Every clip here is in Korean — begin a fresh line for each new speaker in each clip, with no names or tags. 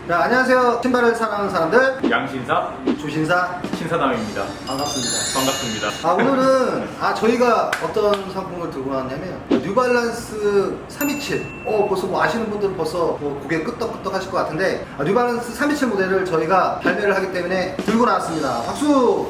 네, 안녕하세요. 신발을 사랑하는 사람들
양신사
조신사
신사남입니다.
반갑습니다.
반갑습니다.
오늘은 저희가 어떤 상품을 들고 나왔냐면 뉴발란스 327. 벌써 뭐 아시는 분들은 벌써 뭐 고개 끄떡끄떡 하실 것 같은데 뉴발란스 327 모델을 저희가 발매를 하기 때문에 들고 나왔습니다. 박수!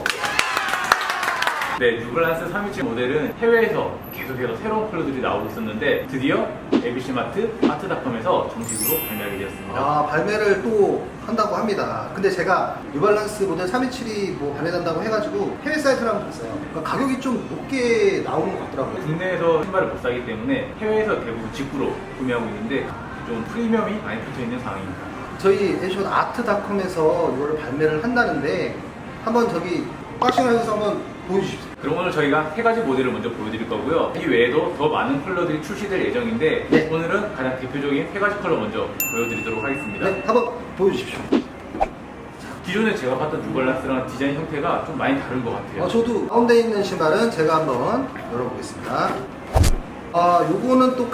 네, 뉴발란스 327 모델은 해외에서 계속해서 새로운 컬러들이 나오고 있었는데 드디어 ABC마트, 아트닷컴에서 정식으로 발매하게 되었습니다.
발매를 또 한다고 합니다. 근데 제가 뉴발란스 모델 327이 뭐 발매된다고 해가지고 해외 사이트를 한번 봤어요. 그러니까 가격이 좀 높게 나오는 것 같더라고요.
국내에서 신발을 못 사기 때문에 해외에서 대부분 직구로 구매하고 있는데 좀 프리미엄이 많이 붙어 있는 상황입니다.
저희 에디션 아트닷컴에서 이거를 발매를 한다는데 한번 저기 박싱하셔서 한번 보여주십시오.
그럼 오늘 저희가 세 가지 모델을 먼저 보여드릴 거고요. 이 외에도 더 많은 컬러들이 출시될 예정인데
네.
오늘은 가장 대표적인 세 가지 컬러 먼저 보여드리도록 하겠습니다.
네, 한번 보여주십시오.
기존에 제가 봤던 뉴발란스랑 디자인 형태가 좀 많이 다른 것 같아요.
저도 가운데 있는 신발은 제가 한번 열어보겠습니다. 요거는 또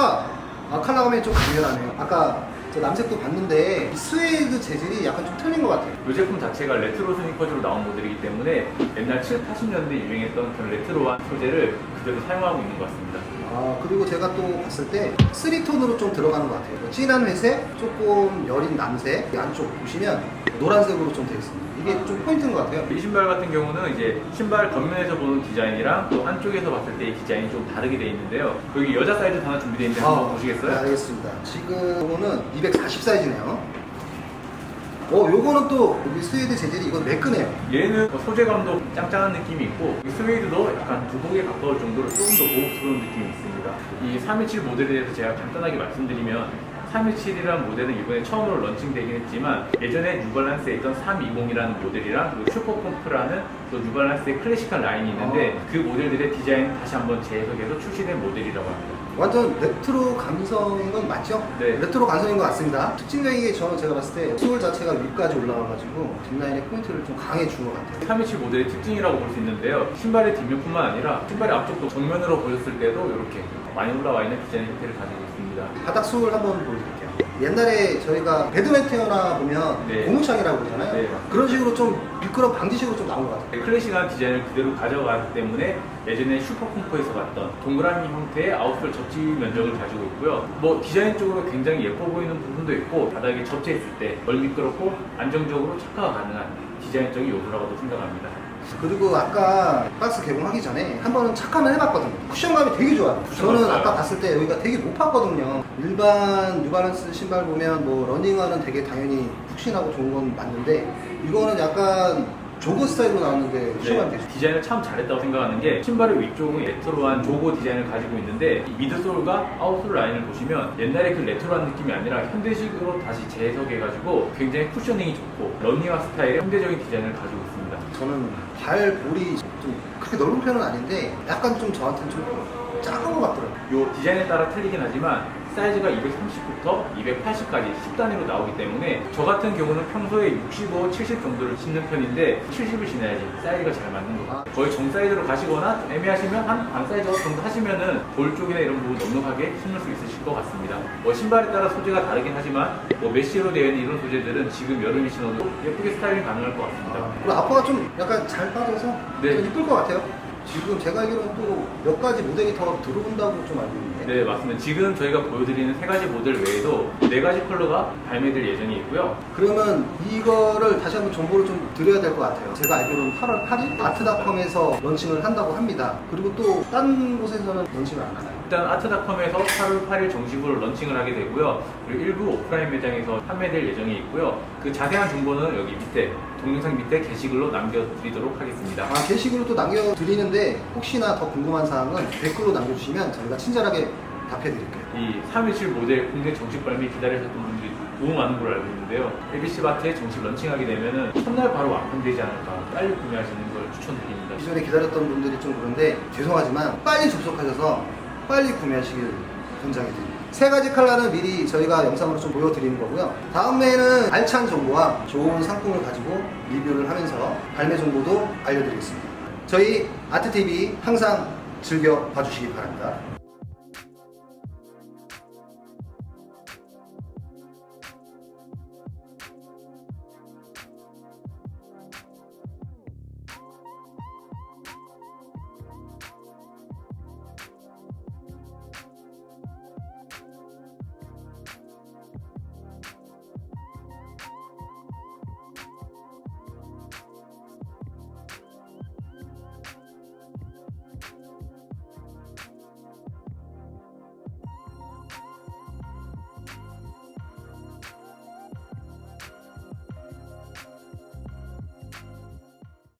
컬러감이 좀 강렬하네요. 아까 저 남색도 봤는데 이 스웨이드 재질이 약간 좀 틀린 것 같아요.
이 제품 자체가 레트로 스니커즈로 나온 모델이기 때문에 옛날 7, 80년대 유행했던 그런 레트로한 소재를 그대로 사용하고 있는 것 같습니다.
그리고 제가 또 봤을 때 3톤으로 좀 들어가는 것 같아요. 진한 회색, 조금 여린 남색, 이 안쪽 보시면 노란색으로 좀 되어 있습니다. 이게 좀 포인트인 것 같아요.
이 신발 같은 경우는 이제 신발 겉면에서 보는 디자인이랑 또 한쪽에서 봤을 때 이 디자인이 좀 다르게 되어 있는데요. 여기 여자 사이즈 하나 준비되어 있는데 한번 보시겠어요?
네, 알겠습니다. 지금 요거는 240 사이즈네요. 요거는 또 여기 스웨이드 재질이 이건 매끈해요.
얘는 소재감도 짱짱한 느낌이 있고 이 스웨이드도 약간 두복에 가까울 정도로 조금 더 고급스러운 느낌이 있습니다. 이 327 모델에 대해서 제가 간단하게 말씀드리면 327이라는 모델은 이번에 처음으로 런칭되긴 했지만 예전에 뉴발란스에 있던 320이라는 모델이랑 그리고 슈퍼콤프라는 또 뉴발란스의 클래식한 라인이 있는데 그 모델들의 디자인을 다시 한번 재해석해서 출시된 모델이라고 합니다.
완전 레트로 감성인 건 맞죠?
네.
레트로 감성인 것 같습니다. 특징적인 게 제가 봤을 때 소울 자체가 위까지 올라와가지고 뒷라인의 포인트를 좀 강해 준 것 같아요.
327 모델의 특징이라고 볼 수 있는데요. 신발의 뒷면뿐만 아니라 신발의 앞쪽도 정면으로 보셨을 때도 이렇게 많이 올라와 있는 디자인 형태를 가지고 있습니다.
바닥 소울 한번 보여드릴게요. 옛날에 저희가 배드메테어나 보면
네.
고무창이라고 그러잖아요.
네.
그런 식으로 좀 미끄럼 방지식으로 좀 나온 것 같아요.
클래식한 디자인을 그대로 가져가기 때문에 예전에 슈퍼콤포에서 봤던 동그라미 형태의 아웃솔 접지 면적을 가지고 있고요. 뭐 디자인적으로 굉장히 예뻐 보이는 부분도 있고 바닥에 접지했을 때 덜 미끄럽고 안정적으로 착화가 가능한 디자인적인 요소라고도 생각합니다.
그리고 아까 박스 개봉하기 전에 한 번은 착함을 해봤거든요. 쿠션감이 되게 좋아요. 저는
맞아요.
아까 봤을 때 여기가 되게 높았거든요. 일반 뉴발란스 신발 보면 뭐 러닝화는 되게 당연히 푹신하고 좋은 건 맞는데 이거는 약간 조거 스타일로 나왔는데 쿠션감이 되게 좋아요.
디자인을 참 잘했다고 생각하는 게 신발의 위쪽은 레트로한 조거 디자인을 가지고 있는데 이 미드솔과 아웃솔 라인을 보시면 옛날에 그 레트로한 느낌이 아니라 현대식으로 다시 재해석해가지고 굉장히 쿠셔닝이 좋고 러닝화 스타일의 현대적인 디자인을 가지고 있습니다.
저는 발볼이 좀 그렇게 넓은 편은 아닌데 약간 좀 저한테는 좀 작은 것 같더라고요.
이 디자인에 따라 틀리긴 하지만 사이즈가 230부터 280까지 10단위로 나오기 때문에 저 같은 경우는 평소에 65, 70 정도를 신는 편인데 70을 신어야지 사이즈가 잘 맞는 것 같아요. 거의 정 사이즈로 가시거나 애매하시면 한 반 사이즈 정도 하시면은 볼 쪽이나 이런 부분 넉넉하게 신을 수 있으실 것 같습니다. 신발에 따라 소재가 다르긴 하지만 메쉬로 되어 있는 이런 소재들은 지금 여름에 신어도 예쁘게 스타일링 가능할 것 같습니다.
그리고 앞화가 좀 약간 잘 빠져서
네.
좀 이쁠 것 같아요. 지금 제가 알기로는 또 몇 가지 모델이 더 들어온다고 좀 알고 있는데.
네, 맞습니다. 지금 저희가 보여드리는 세 가지 모델 외에도 네 가지 컬러가 발매될 예정이 있고요.
그러면 이거를 다시 한번 정보를 좀 드려야 될 것 같아요. 제가 알기로는 8월 8일 아트닷컴에서 런칭을 한다고 합니다. 그리고 또 딴 곳에서는 런칭을 안 하나요?
일단 아트닷컴에서 8월 8일 정식으로 런칭을 하게 되고요. 그리고 일부 오프라인 매장에서 판매될 예정이 있고요. 그 자세한 정보는 여기 밑에 동영상 밑에 게시글로 남겨드리도록 하겠습니다.
게시글로 또 남겨드리는데 혹시나 더 궁금한 사항은 댓글로 남겨주시면 저희가 친절하게 답해드릴게요.
이 317 모델 국내 정식 발매 기다리셨던 분들이 너무 많은 걸 알고 있는데요. ABC마트에 정식 런칭하게 되면은 첫날 바로 완판되지 않을까 빨리 구매하시는 걸 추천드립니다.
기존에 기다렸던 분들이 좀 그런데 죄송하지만 빨리 접속하셔서 빨리 구매하시길 권장해드립니다. 세 가지 컬러는 미리 저희가 영상으로 좀 보여드리는 거고요. 다음에는 알찬 정보와 좋은 상품을 가지고 리뷰를 하면서 발매 정보도 알려드리겠습니다. 저희 아트TV 항상 즐겨 봐주시기 바랍니다.